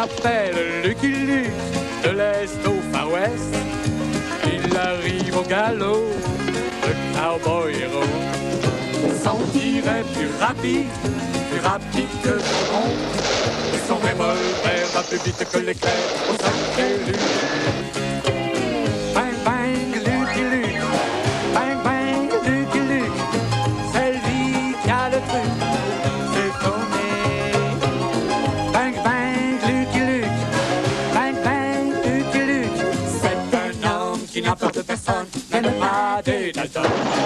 s'appelle Lucky Luke, de l'Est au Far West. Il arrive au galop, le cowboy héros. Son tir est plus rapide que le rond. Et son revolver va plus vite que l'éclair au sacré Luke. Bang bang Lucky Luke, bang bang Lucky Luke, c'est lui qui a le truc, c'est tourné. Bang bang Lucky Luke, bang bang Lucky Luke, c'est un homme qui n'a peur de personne, même pas des Dalton.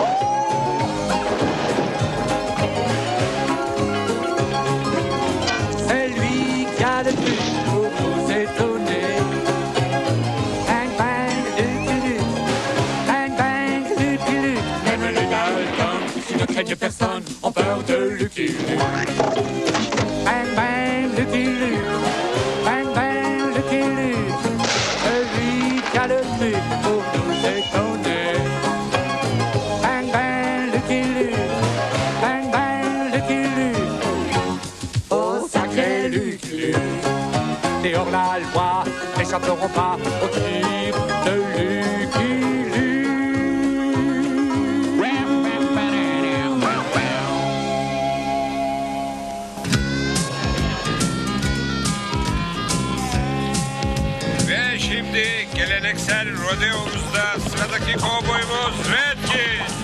C'est lui qui a le truc pour nous étonner. Bang bang Lucky Luke, bang bang Lucky Luke, même les Dalton qui ne craignent personne ont peur de Lucky Luke. Bang bang Lucky Luke, bang bang Lucky Luke, c'est lui qui a le truc pour nous étonner. Bang bang Lucky Luke, bang bang Lucky Luke, oh sacré Lucky Luke. Et hors la loi n'échapperont pas au tir de Lucky Luke. Ve şimdi geleneksel rodeomuzda sıradaki kovboymuz Redkit.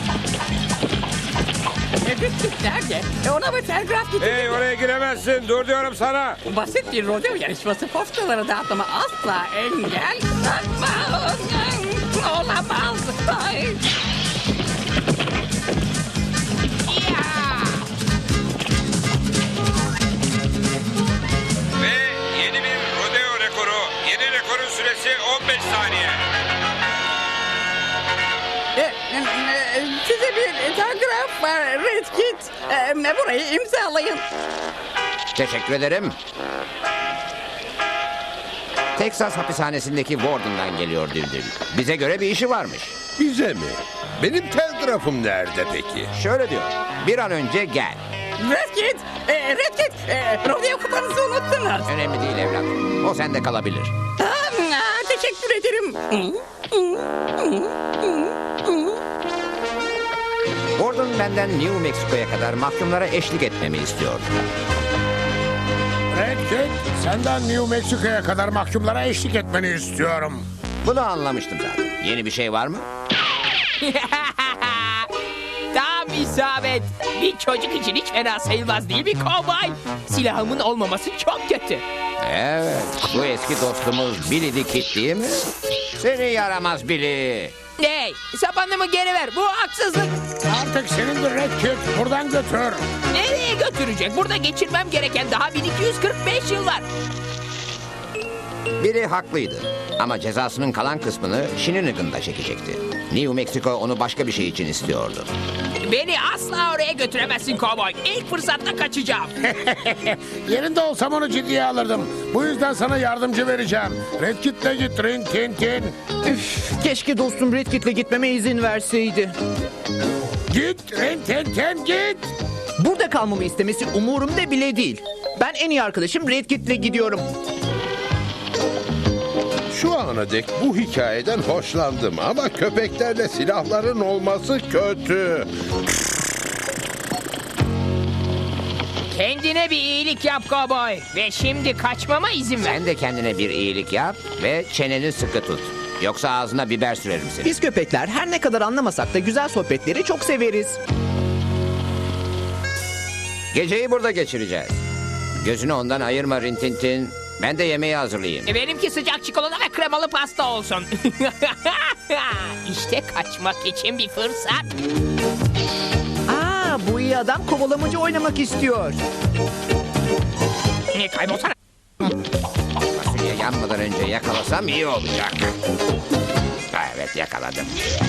Redkit nerede? Ona bir telgraf getirdim. Hey, oraya giremezsin. Dur diyorum sana. Basit bir rodeo yarışması postaları dağıtmama asla engel olmaz. Olamaz. Ay. Ya! Ve yeni bir rodeo rekoru. Yeni rekorun süresi 15 saniye. Size bir telgraf var Redkit. Burayı imzalayın. Teşekkür ederim. Texas hapishanesindeki Warden'dan geliyor Düldül. Bize göre bir işi varmış. Bize mi? Benim telgrafım nerede peki? Şöyle diyor. Bir an önce gel. Redkit! Redkit! Rodeo kupanızı unuttunuz. Önemli değil evlat. O sende kalabilir. Teşekkür ederim. Warden benden New Mexico'ya kadar mahkumlara eşlik etmemi istiyordu. Redkit, senden New Mexico'ya kadar mahkumlara eşlik etmeni istiyorum. Bunu anlamıştım zaten. Yeni bir şey var mı? Tam isabet. Bir çocuk için hiç fena sayılmaz değil mi kovboy? Silahımın olmaması çok kötü. Evet. Bu eski dostumuz Billy Dickit değil mi? Seni yaramaz Billy. Hey, sapanımı geri ver. Bu haksızlık. Artık senindir Redkit, buradan götür. Nereye götürecek? Burada geçirmem gereken daha 1245 yıl var. Billy haklıydı. Ama cezasının kalan kısmını Shinanigan'da çekecekti. New Mexico onu başka bir şey için istiyordu. Beni asla oraya götüremezsin kovboy. İlk fırsatta kaçacağım. Yerinde olsam onu ciddiye alırdım. Bu yüzden sana yardımcı vereceğim. Redkit'le git Rin Tin Tin. Keşke dostum Redkit'le gitmeme izin verseydi. Git Rin Tin Tin git. Burada kalmamı istemesi umurumda bile değil. Ben en iyi arkadaşım Redkit'le gidiyorum. Şu ana dek bu hikayeden hoşlandım ama köpeklerle silahların olması kötü. Kendine bir iyilik yap kovboy. Ve şimdi kaçmama izin ver. Sen de kendine bir iyilik yap ve çeneni sıkı tut. Yoksa ağzına biber sürerim seni. Biz köpekler her ne kadar anlamasak da güzel sohbetleri çok severiz. Geceyi burada geçireceğiz. Gözünü ondan ayırma Rintintin. Ben de yemeği hazırlayayım. Benimki sıcak çikolata ve kremalı pasta olsun. İşte kaçmak için bir fırsat. Bu iyi adam kovalamacı oynamak istiyor. Kaybolsana. Fasulye yanmadan önce yakalasam iyi olacak. Evet, yakaladım.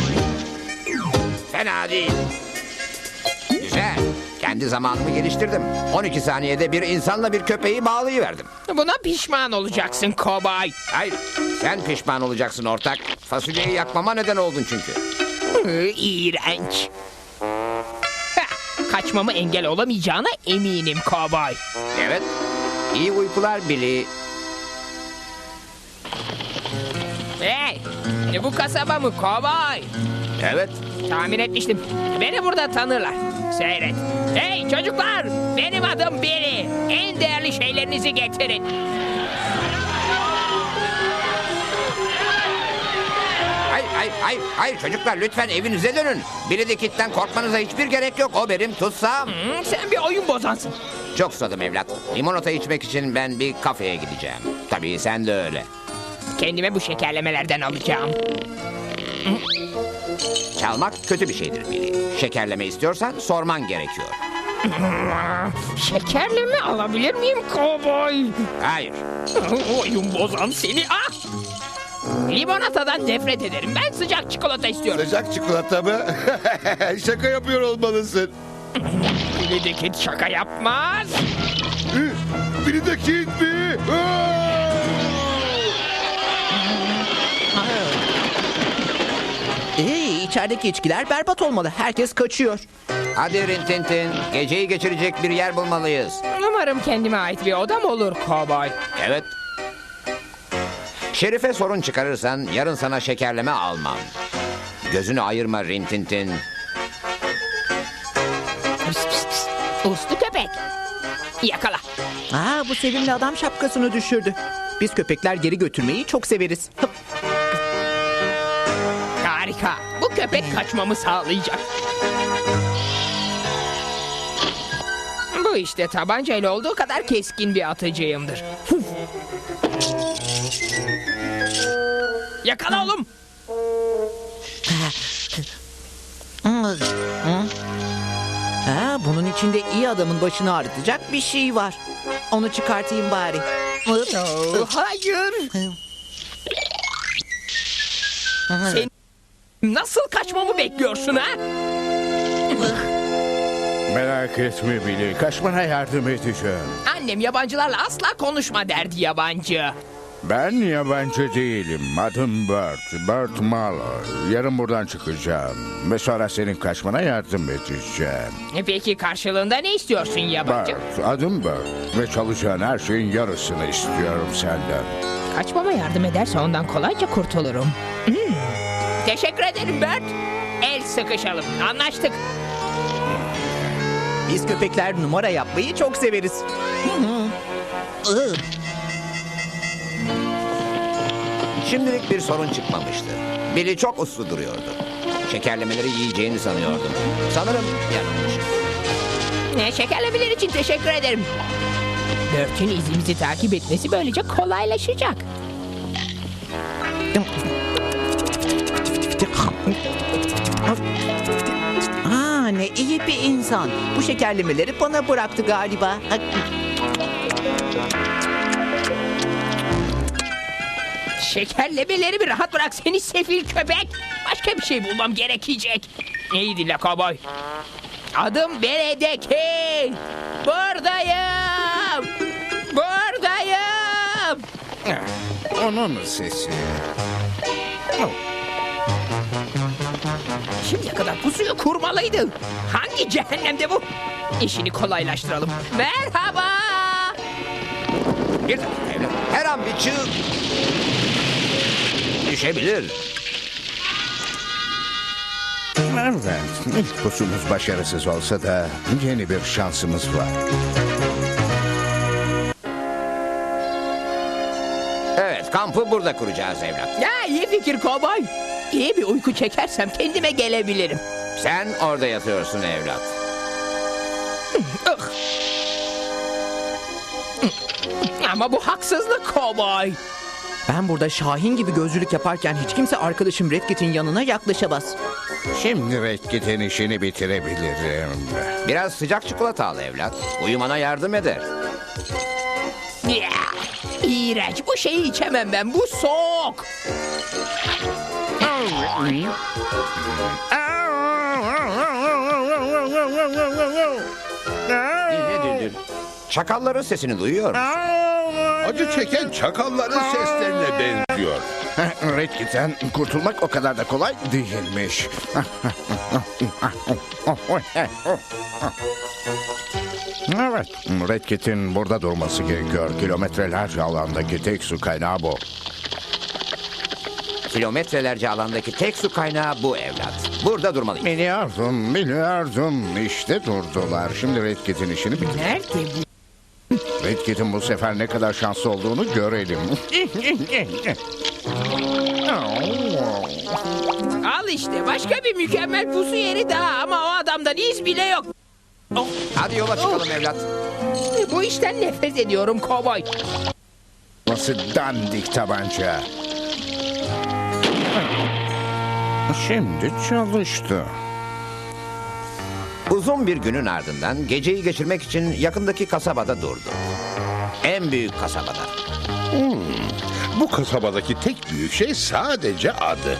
Fena değil. Güzel. Kendi zamanımı geliştirdim. 12 saniyede bir insanla bir köpeği bağlayıverdim. Buna pişman olacaksın kovboy. Hayır, sen pişman olacaksın ortak. Fasulyeyi yakmama neden oldun çünkü. İğrenç. Kaçmamı engel olamayacağına eminim kovboy. Evet. İyi uykular Billy. Bu kasaba mı kovboy? Evet. Tahmin etmiştim. Beni burada tanırlar. Seyret. Hey çocuklar! Benim adım Billy. En değerli şeylerinizi getirin. Hayır çocuklar lütfen evinize dönün. Billy the Kid'den korkmanıza hiçbir gerek yok. O benim tutsam. Sen bir oyun bozansın. Çok susadım evlat. Limonata içmek için ben bir kafeye gideceğim. Tabii sen de öyle. Kendime bu şekerlemelerden alacağım. Çalmak kötü bir şeydir Billy. Şekerleme istiyorsan sorman gerekiyor. Şekerleme alabilir miyim kovboy? Hayır. Oyun bozan seni. Ah! Limonatadan nefret ederim. Ben sıcak çikolata istiyorum. Sıcak çikolata mı? Şaka yapıyor olmalısın. Billy şaka yapmaz. Biri de Kid mi? İçerideki içkiler berbat olmalı. Herkes kaçıyor. Hadi Rintintin. Geceyi geçirecek bir yer bulmalıyız. Umarım kendime ait bir odam olur kovboy. Evet. Şerife sorun çıkarırsan yarın sana şekerleme almam. Gözünü ayırma Rintintin. Uslu köpek. Yakala. Bu sevimli adam şapkasını düşürdü. Biz köpekler geri götürmeyi çok severiz. Hıp. Harika. Bu köpek kaçmamı sağlayacak. Bu işte tabancayla olduğu kadar keskin bir atıcıyımdır. Yakala oğlum. Bunun içinde iyi adamın başını ağrıtacak bir şey var. Onu çıkartayım bari. Hayır. Sen nasıl kaçmamı bekliyorsun ha? Merak etme Billy. Kaçmana yardım edeceğim. Annem yabancılarla asla konuşma derdi yabancı. Ben yabancı değilim. Adım Bert. Bert Malloy. Yarın buradan çıkacağım. Ve sonra senin kaçmana yardım edeceğim. Peki karşılığında ne istiyorsun yabancı? Bert. Adım Bert. Ve çalacağın her şeyin yarısını istiyorum senden. Kaçmama yardım ederse ondan kolayca kurtulurum. Teşekkür ederim Bert. El sıkışalım. Anlaştık. Biz köpekler numara yapmayı çok severiz. Şimdilik bir sorun çıkmamıştı. Billy çok uslu duruyordu. Şekerlemeleri yiyeceğini sanıyordum. Sanırım yanılmışım. Şekerlemeler için teşekkür ederim. Bert'in izimizi takip etmesi böylece kolaylaşacak. Ne iyi bir insan. Bu şekerlemeleri bana bıraktı galiba. Şekerlemeleri bir rahat bırak seni sefil köpek. Başka bir şey bulmam gerekecek. İyi dinle kovboy. Adım Beledeki. Buradayım. Buradayım. Onun sesi. Şimdiye kadar pusuyu kurmalıydı. Hangi cehennemde bu? İşini kolaylaştıralım. Merhaba. Bir dakika evlat. Her an bir çığ... düşebilir. Evet. İlk pusumuz başarısız olsa da yeni bir şansımız var. Evet, kampı burada kuracağız evlat. Ya iyi fikir kovboy. İyi bir uyku çekersem kendime gelebilirim. Sen orada yatıyorsun evlat. Ama bu haksızlık kovboy. Ben burada Şahin gibi gözcülük yaparken hiç kimse arkadaşım Redkit'in yanına yaklaşamaz. Şimdi Redkit'in işini bitirebilirim. Biraz sıcak çikolata al evlat. Uyumana yardım eder. Ya, İğrenç. Bu şeyi içemem ben. Bu soğuk. Ne? Çakalların sesini duyuyor musun? Acı çeken çakalların seslerine benziyor. Redkit'ten kurtulmak o kadar da kolay değilmiş. Evet, Redkit'in burada durması gerekiyor. Kilometrelerce alandaki tek su kaynağı bu. Kilometrelerce alandaki tek su kaynağı bu evlat. Burada durmalıyız. Biliyordum. İşte durdular. Şimdi Red Kit'in işini bitir. Nerede bu? Red Kit'in bu sefer ne kadar şanslı olduğunu görelim. Al işte başka bir mükemmel pusu yeri daha ama o adamdan iz bile yok. Oh, Hadi yola çıkalım evlat. bu işten nefret ediyorum kovboy. Nasıl dandik tabanca. Şimdi çalıştı. Uzun bir günün ardından geceyi geçirmek için yakındaki kasabada durdu. En büyük kasabada. Bu kasabadaki tek büyük şey sadece adı.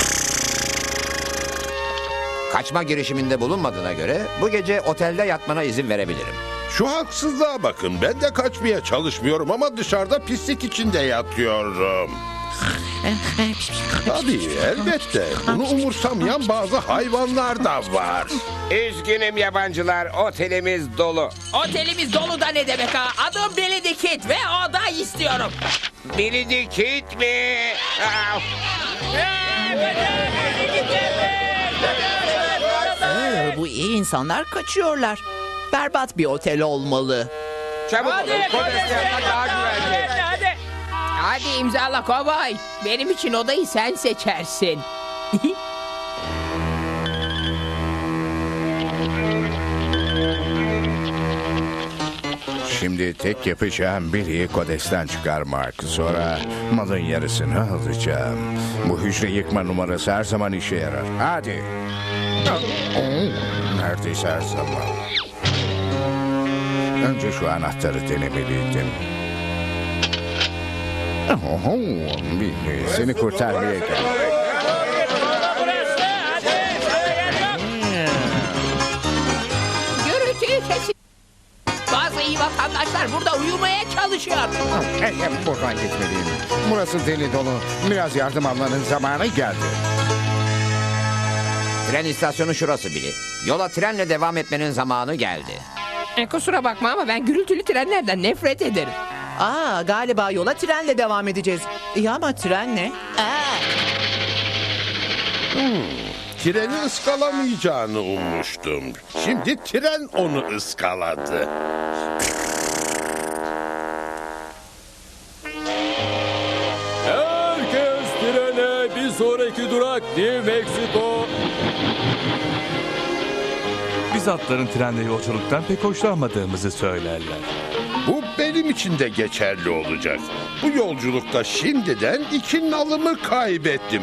Kaçma girişiminde bulunmadığına göre bu gece otelde yatmana izin verebilirim. Şu haksızlığa bakın. Ben de kaçmaya çalışmıyorum ama dışarıda pislik içinde yatıyorum. Tabii elbette. Bunu umursamayan bazı hayvanlar da var. Üzgünüm yabancılar, otelimiz dolu. Otelimiz dolu da ne demek ha? Adım Billy the Kid ve oda istiyorum. Billy the Kid mi? Ah, Bu iyi insanlar kaçıyorlar. Berbat bir otel olmalı. çabuk olun, Kodes'te yapmak daha güvenli. Hadi imzala kovboy. Benim için odayı sen seçersin. Şimdi tek yapacağım Billy'yi Kodes'ten çıkarmak. Sonra malın yarısını alacağım. Bu hücre yıkma numarası her zaman işe yarar. Hadi. Neredeyse her zaman. Önce şu anahtarı denemeliydim. Billy, seni kurtarmaya geldim. Gürültüyü kesin. Bazı iyi vatandaşlar burada uyumaya çalışıyor. Buradan gitmeliyim. Burası deli dolu. Biraz yardım almanın zamanı geldi. Tren istasyonu şurası Billy. Yola trenle devam etmenin zamanı geldi. Kusura bakma ama ben gürültülü trenlerden nefret ederim. Galiba yola trenle devam edeceğiz. İyi ama tren ne? Treni ıskalamayacağını ummuştum. Şimdi tren onu ıskaladı. Herkes trene, bir sonraki durak New Mexico. Biz atların trende yolculuktan pek hoşlanmadığımızı söylerler. Bu benim için de geçerli olacak. Bu yolculukta şimdiden 2 nalımı kaybettim.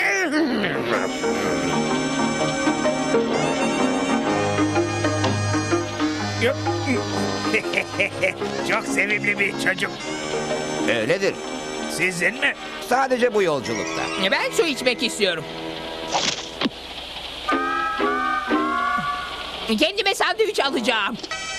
Çok sevimli bir çocuk. Öyledir. Sizin mi? Sadece bu yolculukta. Ben su içmek istiyorum. Kendime sandviç alacağım.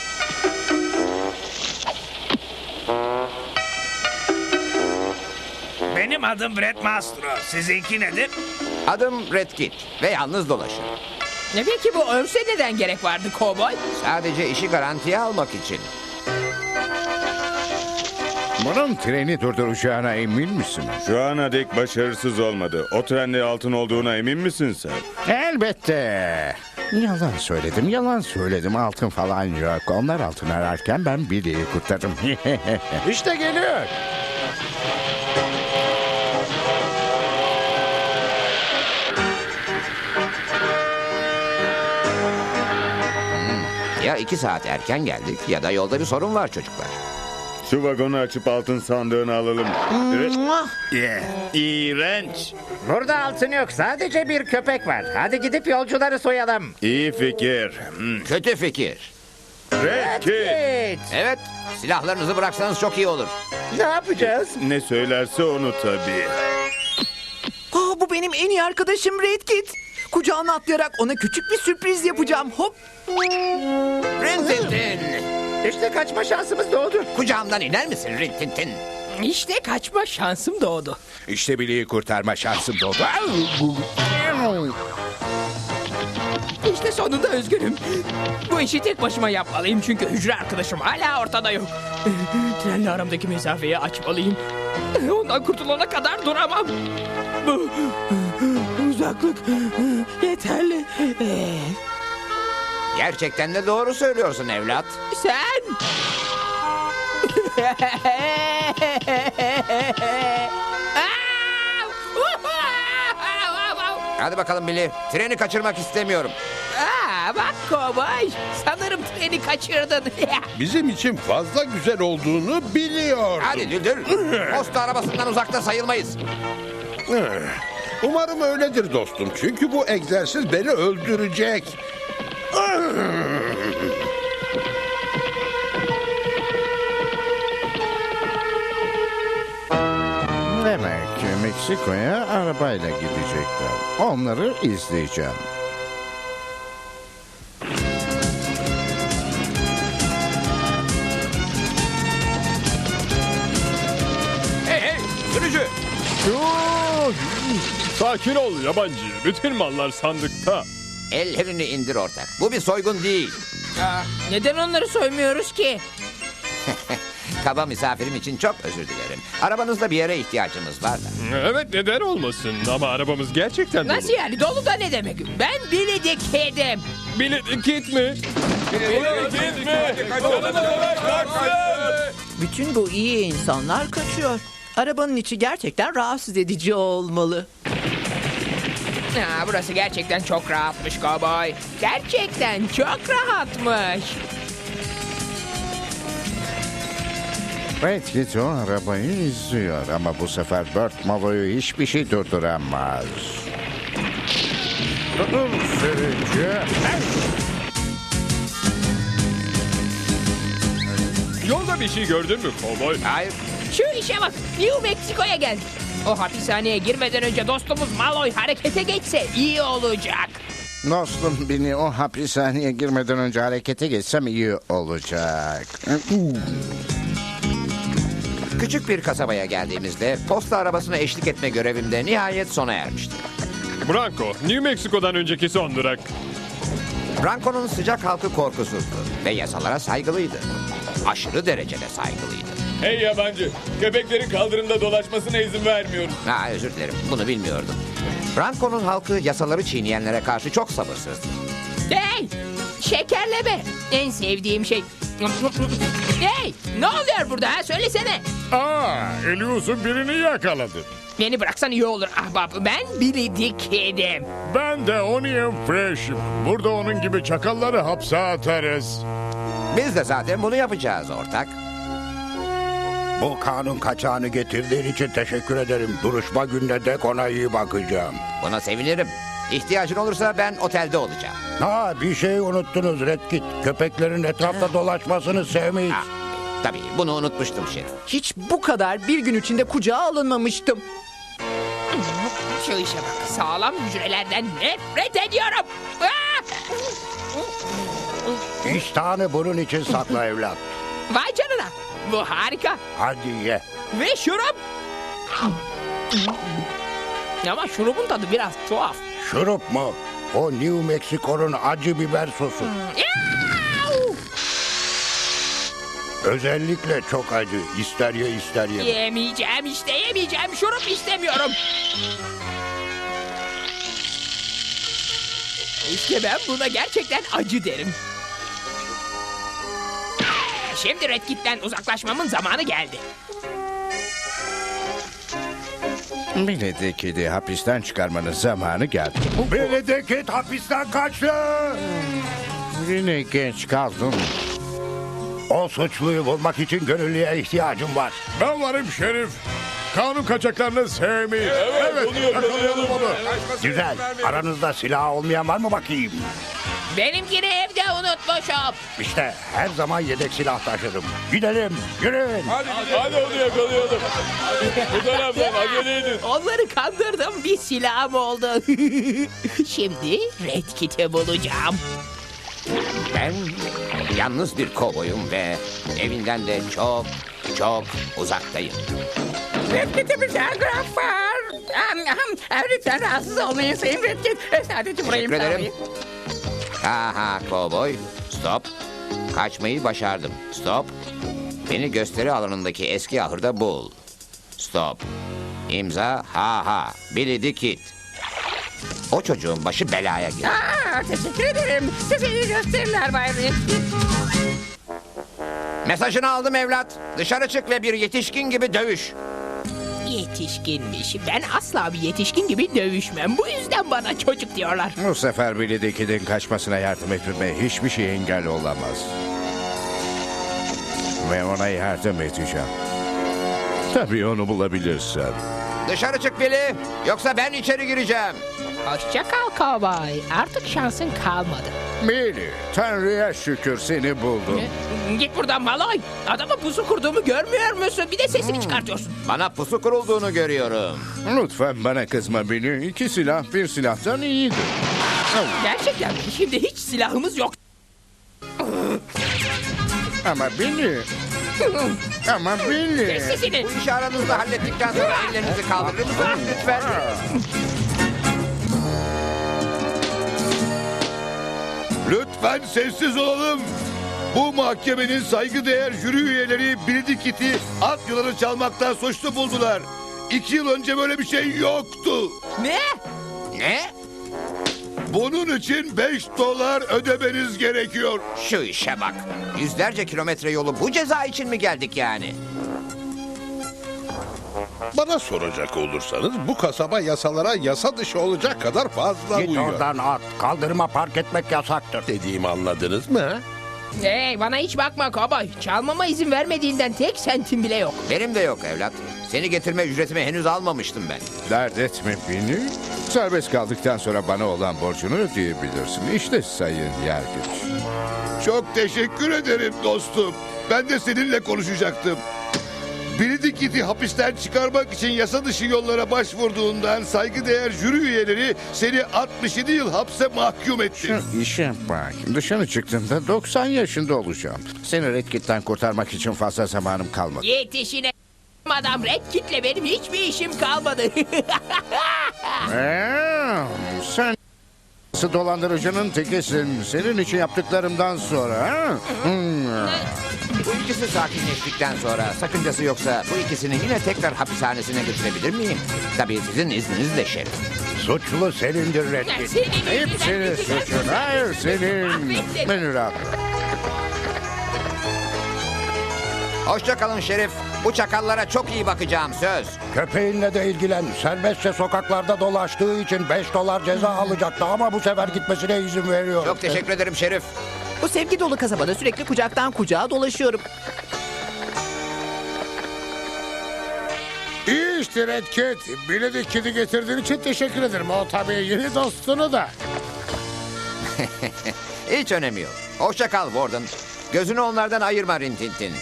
Benim adım Brett Mastro. Sizinki nedir? Adım Red Kit ve yalnız dolaşır. Peki bu örse neden gerek vardı kovboy? Sadece işi garantiye almak için. Bunun treni durduracağına emin misin? Şu ana dek başarısız olmadı. O trende altın olduğuna emin misin sen? Elbette. Yalan söyledim. Altın falan yok. Onlar altın ararken ben Billy'yi kurtardım. İşte geliyor. Ya 2 saat erken geldik ya da yolda bir sorun var çocuklar. Şu vagonu açıp altın sandığını alalım. İğrenç. Burada altın yok. Sadece bir köpek var. Hadi gidip yolcuları soyalım. İyi fikir. Kötü fikir. Red Kit. Evet, silahlarınızı bıraksanız çok iyi olur. Ne yapacağız? Ne söylerse onu tabii. Bu benim en iyi arkadaşım Red Kit. Kucağına atlayarak ona küçük bir sürpriz yapacağım. Hop. Rintintin, İşte kaçma şansımız doğdu. kucağımdan iner misin Rintintin? İşte kaçma şansım doğdu. İşte Billy'yi kurtarma şansım doğdu. İşte sonunda özgürüm. Bu işi tek başıma yapmalıyım çünkü hücre arkadaşım hala ortada yok. Trenle aramdaki mesafeyi açmalıyım. Ondan kurtulana kadar duramam. Bu uzaklık yeterli. Gerçekten de doğru söylüyorsun evlat. Sen... Hadi bakalım Billy. Treni kaçırmak istemiyorum. Bak kovboy. Sanırım treni kaçırdın. Bizim için fazla güzel olduğunu biliyordum. Hadi Düldül. Posta arabasından uzakta sayılmayız. Umarım öyledir dostum. Çünkü bu egzersiz beni öldürecek. Demek ki Meksiko'ya arabayla gidecekler. Onları izleyeceğim. Hey sürücü. Sakin ol yabancı. Bütün mallar sandıkta. Ellerini indir ortak. Bu bir soygun değil. Neden onları soymuyoruz ki? Kaba misafirim için çok özür dilerim. Arabanızda bir yere ihtiyacımız var da. Evet neden olmasın ama arabamız gerçekten dolu. Nasıl yani? Dolu da ne demek? Ben Billy Kid'im. Kit mi? Bütün bu iyi insanlar kaçıyor. Arabanın içi gerçekten rahatsız edici olmalı. Burası gerçekten çok rahatmış kovboy. Gerçekten çok rahatmış. Red Kit o arabayı izliyor ama bu sefer Burt Malloy'u hiçbir şey durduramaz. Dur sürücü. Yolda bir şey gördün mü kovboy? Hayır. Şu işe bak. New Mexico'ya geldik. O hapishaneye girmeden önce dostumuz Malloy harekete geçse iyi olacak. Dostum beni o hapishaneye girmeden önce harekete geçsem iyi olacak. Küçük bir kasabaya geldiğimizde posta arabasına eşlik etme görevim de nihayet sona ermişti. Branco, New Mexico'dan önceki son durak. Branco'nun sıcak halkı korkusuzdu ve yasalara saygılıydı. Aşırı derecede saygılıydı. Hey yabancı, köpeklerin kaldırımda dolaşmasına izin vermiyoruz. Özür dilerim, bunu bilmiyordum. Branco'nun halkı yasaları çiğneyenlere karşı çok sabırsızdı. Hey! Şekerleme. En sevdiğim şey. Hey! Ne oluyor burada ha? Söylesene. Elius'un birini yakaladı. Beni bıraksan iyi olur ahbap. Ben Billy Kid'im. Ben de Onion Fresh'im. Burada onun gibi çakalları hapse atarız. Biz de zaten bunu yapacağız ortak. Bu kanun kaçağını getirdiğin için teşekkür ederim. Duruşma gününe dek ona iyi bakacağım. Buna sevinirim. İhtiyacın olursa ben otelde olacağım. Bir şey unuttunuz Red Kit. Köpeklerin etrafta dolaşmasını sevmeyiz. Tabii bunu unutmuştum şerif. Hiç bu kadar bir gün içinde kucağa alınmamıştım. Şu işe bak. Sağlam hücrelerden nefret ediyorum. İştahını bunun için sakla evlat. Vay canına. Bu harika. Hadi ye. Ve şurup. Ama şurubun tadı biraz tuhaf. Şurup mu? O New Mexico'nun acı biber sosu. Özellikle çok acı. İster ye ister yeme. Yemeyeceğim işte yemeyeceğim. Şurup istemiyorum. İşte ben buna gerçekten acı derim. Şimdi Red Kit'ten uzaklaşmamın zamanı geldi. Billy Kid'i hapisten çıkarmanın zamanı geldi. Billy Kid hapisten kaçtı. Yine geç kaldım. O suçluyu bulmak için gönüllüye ihtiyacım var. Ben varım şerif. Kanun kaçaklarını sevmeyiz. Evet yakalayalım onu. Güzel. Aranızda silah olmayan var mı bakayım? Benimkini evde unutmuşum. İşte her zaman yedek silah taşırım. Gidelim, yürüyün. Hadi onu yakalayalım. Bu taraftan acele edin. Onları kandırdım, bir silahım oldu. Şimdi Red Kit'i bulacağım. Ben yalnız bir kovboyum ve evinden de çok çok uzaktayım. Red Kit'e bir telgraf var. Lütfen rahatsız olmayın Sayın Red Kit. Sadece burayı Teşekkür ederim. imzalayın. Aha kovboy. Stop. Kaçmayı başardım. Stop. Beni gösteri alanındaki eski ahırda bul. Stop. İmza ha. Billy the Kid. O çocuğun başı belaya girdi. Teşekkür ederim. Size iyi gösteriler Bay Redkit. Mesajını aldım evlat. Dışarı çık ve bir yetişkin gibi dövüş. Yetişkinmiş. Ben asla bir yetişkin gibi dövüşmem. Bu yüzden bana çocuk diyorlar. Bu sefer Billy the Kid'in kaçmasına yardım etmeme hiçbir şey engel olamaz. Ve ona yardım edeceğim. Tabii onu bulabilirsem. Dışarı çık Billy. Yoksa ben içeri gireceğim. Hoşça kal kovboy. Artık şansın kalmadı. Billy, Tanrı'ya şükür seni buldum. Git buradan Malay. Adama pusu kurduğumu görmüyor musun? Bir de sesini çıkartıyorsun. Bana pusu kurulduğunu görüyorum. Lütfen bana kızma Billy. 2 silah bir silahtan iyidir. Gerçekten mi? Şimdi hiç silahımız yok. Ama Billy... Ama Billy... Kes sesini. Bu işi aranızda hallettikten sonra ellerinizi kaldırır mısınız lütfen? Lütfen sessiz olalım. Bu mahkemenin saygıdeğer jüri üyeleri Billy the Kid'i at yılanı çalmaktan suçlu buldular. 2 yıl önce böyle bir şey yoktu. Ne? Ne? Bunun için $5 ödemeniz gerekiyor. Şu işe bak. Yüzlerce kilometre yolu bu ceza için mi geldik yani? Bana soracak olursanız bu kasaba yasalara yasa dışı olacak kadar fazla Git uyuyor. oradan at. Kaldırıma park etmek yasaktır. Dediğimi anladınız mı? ha? Hey bana hiç bakma kovboy. Çalmama izin vermediğinden tek sentim bile yok. Benim de yok evlat. Seni getirme ücretimi henüz almamıştım ben. Dert etme Billy. Serbest kaldıktan sonra bana olan borcunu ödeyebilirsin. İşte sayın yargıç. Çok teşekkür ederim dostum. Ben de seninle konuşacaktım. Billy the Kid'i hapisten çıkarmak için yasa dışı yollara başvurduğundan saygıdeğer jüri üyeleri seni 67 yıl hapse mahkum etti. Şu işe bak. Dışarı çıktığımda 90 yaşında olacağım. Seni Red Kit'ten kurtarmak için fazla zamanım kalmadı. Yetişine adam Red Kit'le benim hiçbir işim kalmadı. Sen dolandırıcının tekisin. Senin için yaptıklarımdan sonra. Ha? Bu ikisi sakinleştikten sonra sakıncası yoksa bu ikisini yine tekrar hapishanesine götürebilir miyim? Tabii sizin izninizle şerif. Suçlu senindir Red Kit. Hepsini suçun. Hayır senin. Beni rahat bırak. Hoşça kalın şerif. Bu çakallara çok iyi bakacağım söz. Köpeğinle de ilgilen. Serbestçe sokaklarda dolaştığı için $5 ceza alacaktı ama bu sefer gitmesine izin veriyorum. Çok teşekkür ederim şerif. Bu sevgi dolu kasabada sürekli kucaktan kucağa dolaşıyorum. İyi işte Red Kit. Billy the Kid'i getirdiğin için teşekkür ederim. O tabii yeni dostunu da. Hiç önemi yok. Hoşça kal Warden. Gözünü onlardan ayırma Rintintin.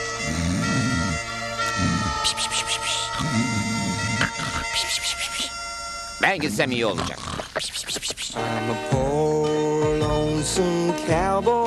Ben gitsem iyi olacak. I'm a poor lonesome cowboy.